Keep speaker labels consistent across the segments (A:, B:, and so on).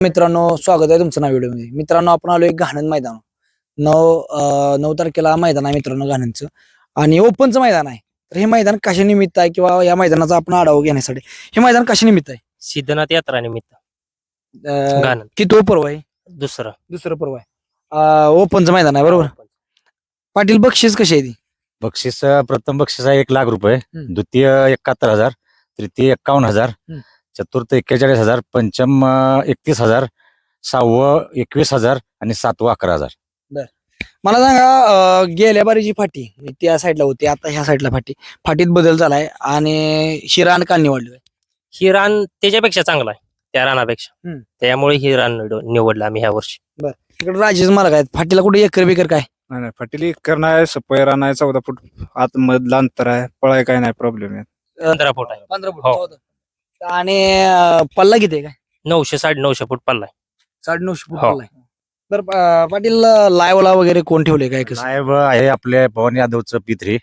A: मित्रांनो, स्वागत आहे तुमचं नाव व्हिडिओ मध्ये. मित्रांनो, आपण आलोय घाणन मैदान. 9 तारखेला मैदान आहे मित्रांनो घाणनचं, आणि ओपनचं मैदान आहे. तर हे मैदान कशा निमित्त आहे किंवा या मैदानाचा आपण आढावा घेण्यासाठी हे मैदान कशा निमित्त आहे?
B: सिद्धनाथ यात्रा निमित्त घाणन
A: किती पर्व आहे? दुसरं पर्व आहे. ओपनचं मैदान आहे बरोबर. पाटील, बक्षीस कशी आहे ती?
C: बक्षीस प्रथम बक्षीस आहे 1 लाख रुपये, द्वितीय 71,000, तृतीय 51,000, चतुर्थ 41,000, पंचम 31,000, सहावं 21,000 आणि सातवं 11,000.
A: मला सांगा, गेल्या बारीची फाटी त्या साईडला होती, आता ह्या साईडला फाटीत बदल झालाय आणि शिरान का निवडलोय?
B: ही रान त्याच्यापेक्षा चांगला आहे, त्या रानापेक्षा. त्यामुळे ही रान निवडलं आम्ही ह्या वर्षी.
A: तिकडे राजेश मार्ग आहेत, फाटीला कुठे एकर बिकर काय?
D: नाही नाही, फाटील एकर नाही, सपय रान आहे, 14 फूट आत मधलं अंतर आहे, पळाय काय नाही, प्रॉब्लेम आहे.
B: 15 फूट आहे.
A: 15 फूट.
B: हो.
A: आणि पल्ला किती आहे काय?
B: 900 950 फूट पल्ला आहे.
A: 950 फूट
B: हो.
A: पल्ला आहे. तर पाटील, लाईव्हला वगैरे कोण ठेवले काय कसं?
C: साहेब आहे आपले पवन यादवचं P3.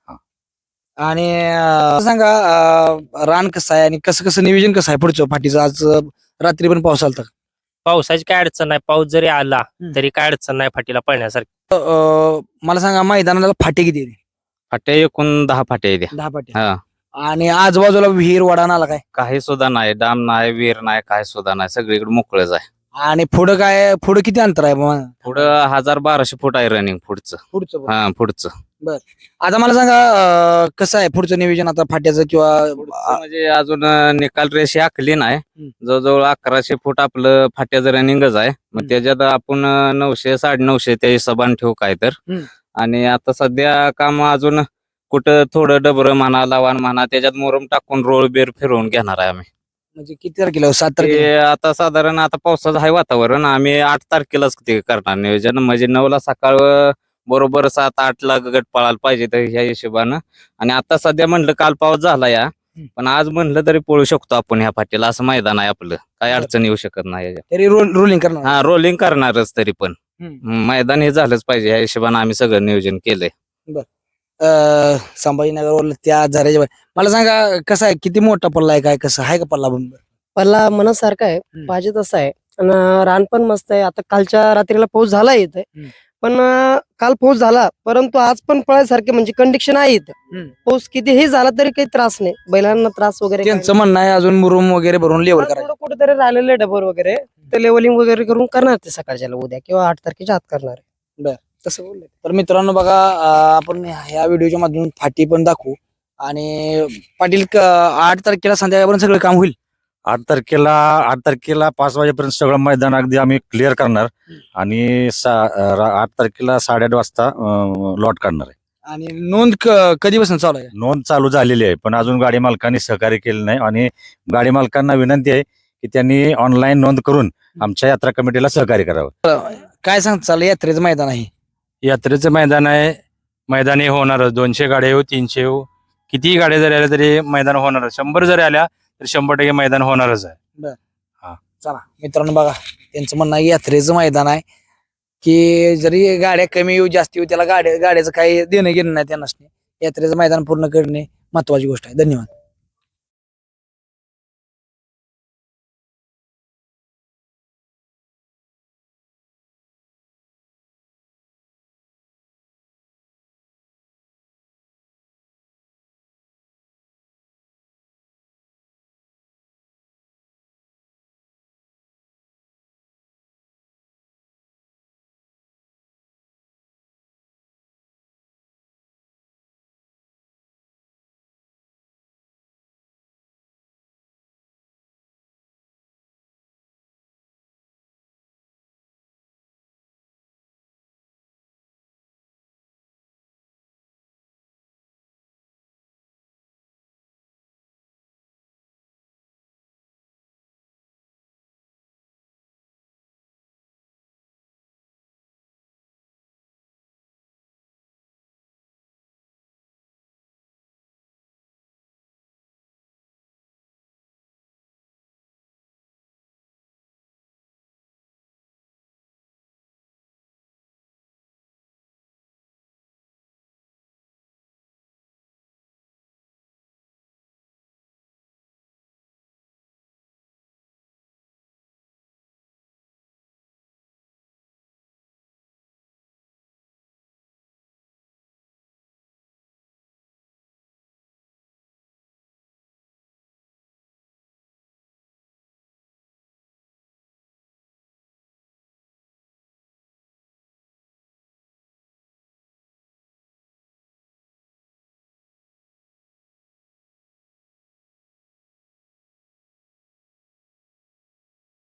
A: आणि सांगा, रान कसं आहे आणि कसं नियोजन कसं आहे पुढचं फाटीचं? आज रात्री पण पाऊस आलता.
B: पावसाची काय अडचण नाही, पाऊस जरी आला तरी काय अडचण नाही फाटीला पळण्यासारखी.
A: मला सांगा, मैदानाला फाटे किती आहे?
D: फाट्या एकूण 10 फाट्या आहेत.
A: 10 फाटे. आणि आजूबाजूला विहीर वडा नाला काय?
D: काही सुद्धा नाही, डाम नाही, विहीर नाही, काय सुद्धा नाही, सगळीकडे मोकळच आहे.
A: आणि पुढं किती अंतर आहे मग?
D: पुढं 1200 फूट आहे रनिंग पुढचं. पुढचं
A: आता मला सांगा, कसं आहे पुढचं नियोजन आता फाट्याचं किंवा
D: म्हणजे अजून निकाल रेषे आखली नाही. जवळजवळ 1100 फूट आपलं फाट्याचं रनिंगच आहे. मग त्याच्यात आपण 900 950 त्या हिशोबाने ठेवू काय तर. आणि आता सध्या काम अजून कुठं थोडं डबर म्हणा, लावाण म्हणा, त्याच्यात मोरम टाकून रोळ बेर फिरवून घेणार आहे आम्ही.
A: म्हणजे किती तारखेला? 7 तारखेला.
D: आता साधारण आता पावसाचं आहे वातावरण, आम्ही 8 तारखेलाच ते करणार नियोजन. म्हणजे 9ला सकाळ बरोबर 7-8 ला गट पळायला पाहिजे तर ह्या हिशोबानं. आणि आता सध्या म्हणलं काल पाऊस झाला या, पण आज म्हणलं तरी पळू शकतो आपण ह्या फाटीला, असं मैदान आहे आपलं, काही अडचण येऊ शकत नाही.
A: तरी रोलिंग करणार?
D: हा, रोलिंग करणारच, तरी पण मैदान हे झालंच पाहिजे ह्या हिशोबानं आम्ही सगळं नियोजन केलंय.
A: संभाजीनगर त्या झऱ्याच्या मला सांगा, कसं आहे, किती मोठा पल्ला आहे, काय कसं आहे का पल्ला?
E: पल्ला मनासारखा आहे, पाहिजे तसा आहे. आणि रान पण मस्त आहे. आता कालच्या रात्रीला पाऊस झाला इथे, पण काल पाऊस झाला, परंतु आज पण पळायसारखे म्हणजे कंडिशन आहे इथं. पाऊस कितीही झाला तरी काही त्रास नाही, बैलांना त्रास वगैरे.
A: त्यांचं म्हणणं आहे अजून मुरुम वगैरे भरून लेवल करायचं.
E: कुठेतरी राहिलेले डबर वगैरे ते लेवलिंग वगैरे करून करणार ते सकाळच्या उद्या किंवा 8 तारखेच्या आत करणार आहे.
A: तसं बोलले. तर मित्रांनो बघा, आपण ह्या व्हिडिओच्या माध्यमातून फाटी पण दाखवू. आणि पाटील, 8 तारखेला संध्याकाळपर्यंत सगळं काम होईल.
C: 8 तारखेला 5 वाजेपर्यंत सगळं मैदान अगदी आम्ही क्लिअर करणार आणि 8 तारखेला 8:30 वाजता लॉट काढणार आहे.
A: आणि नोंद कधीपासून चालू आहे?
C: नोंद चालू झालेली आहे, पण अजून गाडी मालकांनी सहकार्य केलं नाही. आणि गाडी मालकांना विनंती आहे की त्यांनी ऑनलाईन नोंद करून आमच्या यात्रा कमिटीला सहकार्य करावं.
A: काय सांगता, यात्रेचं मैदान आहे?
F: यात्रेचं मैदान आहे, मैदानी होणार. 200 गाड्या येऊ, 300 येऊ, कितीही गाड्या जरी आल्या तरी मैदान होणार. 100 जरी आल्या तर 100% मैदान होणारच आहे.
A: चला मित्रांनो बघा, त्यांचं म्हणणं आहे यात्रेचं मैदान आहे, की जरी गाड्या कमी येऊ जास्त येऊ, त्याला गाड्याचं काही देणं घेणं नाही त्यांना. यात्रेचं मैदान पूर्ण करणे महत्वाची गोष्ट आहे. धन्यवाद.